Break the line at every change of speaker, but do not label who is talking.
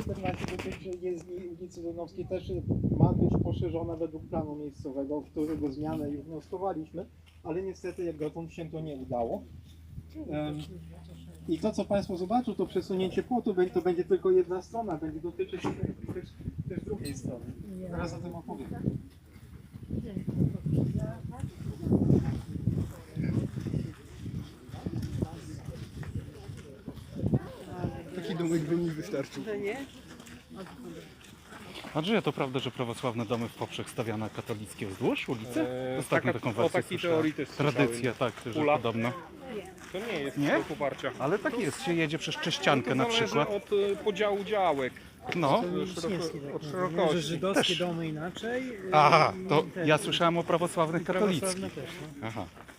14 dotyczy jezdni ulicy Donowskiej, też ma być poszerzona według planu miejscowego, którego zmianę już wnioskowaliśmy, ale niestety jak dotąd się to nie udało. I to, co Państwo zobaczą, to przesunięcie płotu, to będzie tylko jedna strona, będzie dotyczyć też drugiej strony. Teraz o tym opowiem.
Taki domek by mi wystarczył.
Andrzeja, to prawda, że prawosławne domy w poprzek stawiane, a katolickie wzdłuż ulicy? Ostatnio taką
o
wersję
takiej
słyszałem.
teorii też słyszałem.
Tradycja, tak, że
Pula.
podobno.
To nie jest
Nie?
do poparcia.
Ale tak jest, się jedzie przez Cześciankę
To
na
zależy
przykład.
od podziału działek,
No.
od
Że
szerokości.
żydowskie domy inaczej.
Aha, to
i
ja słyszałem o prawosławnych
prawosławne
katolickich.
też, no.
Aha.